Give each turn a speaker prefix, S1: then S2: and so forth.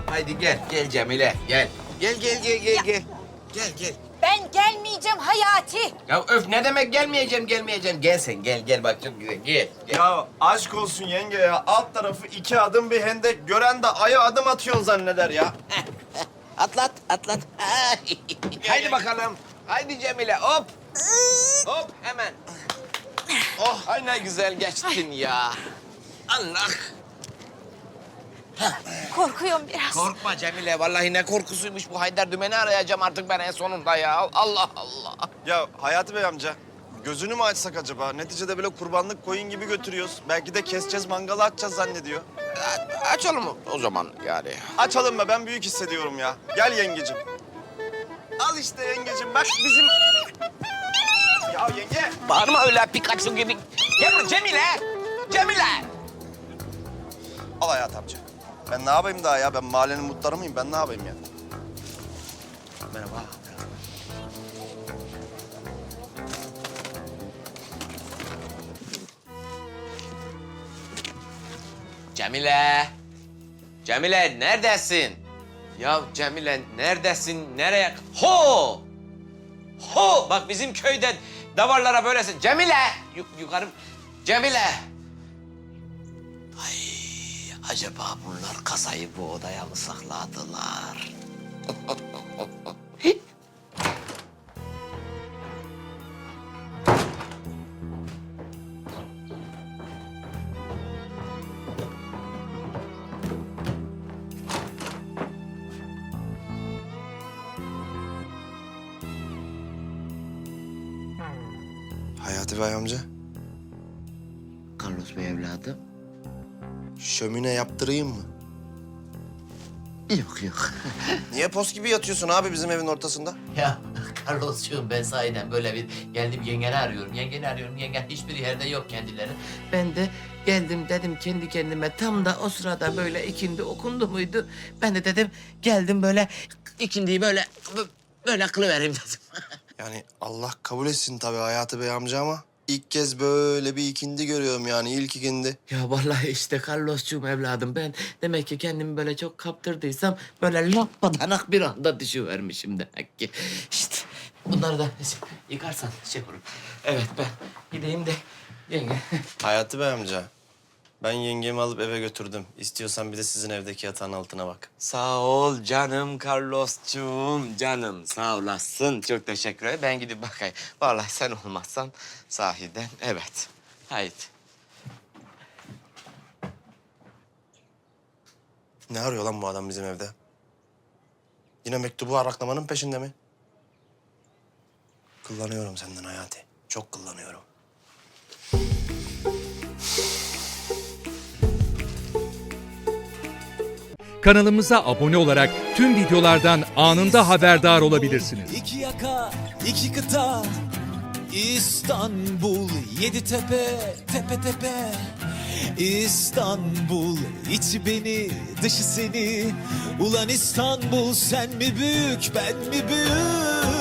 S1: Haydi gel, gel Cemile, gel. Gel. Gel.
S2: Ben gelmeyeceğim Hayati.
S1: Ya öf ne demek gelmeyeceğim. Gel sen, gel bak çok güzel, gel.
S3: Ya aşk olsun yenge ya. Alt tarafı 2 adım bir hendek. Gören de aya adım atıyorsun zanneder ya.
S1: Atlat. Haydi bakalım. Haydi Cemile, hop. Hop, hemen. Oh, ay ne güzel geçtin ya. Allah.
S2: Korkuyorum biraz.
S1: Korkma Cemile, vallahi ne korkusuymuş bu Haydar Dümen'i arayacağım artık ben en sonunda ya. Allah.
S3: Ya Hayati Bey amca, gözünü mü açsak acaba? Neticede böyle kurbanlık koyun gibi götürüyoruz. Belki de keseceğiz, mangala atacağız zannediyor.
S1: Açalım o zaman yani.
S3: Açalım be, ben büyük hissediyorum ya. Gel yengecim. Al işte yengecim, bak bizim... Ya yenge!
S1: Bağırma öyle Pikachu gibi. Gel buraya Cemile.
S3: Al Hayati amca. Ben ne yapayım daha ya? Ben mahallenin muhtarı mıyım? Ben ne yapayım ya?
S1: Merhaba. Cemile neredesin? Ya Cemile neredesin? Nereye? Ho! Bak bizim köyde davarlara böylesin. Cemile! Yukarı. Cemile! Ay acaba bunlar kasayı bu odaya mı sakladılar?
S3: Hayati Bey amca,
S1: Carlos Bey evladım.
S3: şömine yaptırayım mı?
S1: Yok.
S3: Niye pos gibi yatıyorsun abi bizim evin ortasında?
S4: Ya Carlos'cuğum ben sahiden böyle bir geldim yengeni arıyorum. Yengen hiçbir yerde yok kendileri. Ben de geldim dedim kendi kendime tam da o sırada böyle ikindi okundu muydu? Ben de dedim geldim böyle ikindiyi böyle kılıvereyim dedim.
S3: Yani Allah kabul etsin tabii Hayati Bey amca ama ilk kez böyle bir ikindi görüyorum yani ilk ikindi.
S4: Ya vallahi işte Carlos'cuğum evladım ben demek ki kendimi böyle çok kaptırdıysam böyle lappadanak bir anda düşüvermişim demek ki. İşte bunları da yıkarsan şey olur. Evet ben gideyim de yenge.
S3: Hayati Bey amca, ben yengemi alıp eve götürdüm. İstiyorsan bir de sizin evdeki yatağın altına bak.
S1: Sağ ol canım Carlos'cuğum, canım sağ olasın. Çok teşekkür ederim. Ben gidip bakayım. Vallahi sen olmazsan sahiden evet. Haydi.
S3: Ne arıyor lan bu adam bizim evde? Yine mektubu araklamanın peşinde mi? Kullanıyorum senden Hayati. Çok kullanıyorum.
S5: Kanalımıza abone olarak tüm videolardan anında haberdar olabilirsiniz.
S6: İki yaka, iki kıta, İstanbul, yedi tepe, tepe tepe. İstanbul, içi beni, dışı seni. Ulan İstanbul, sen mi büyük, ben mi büyük?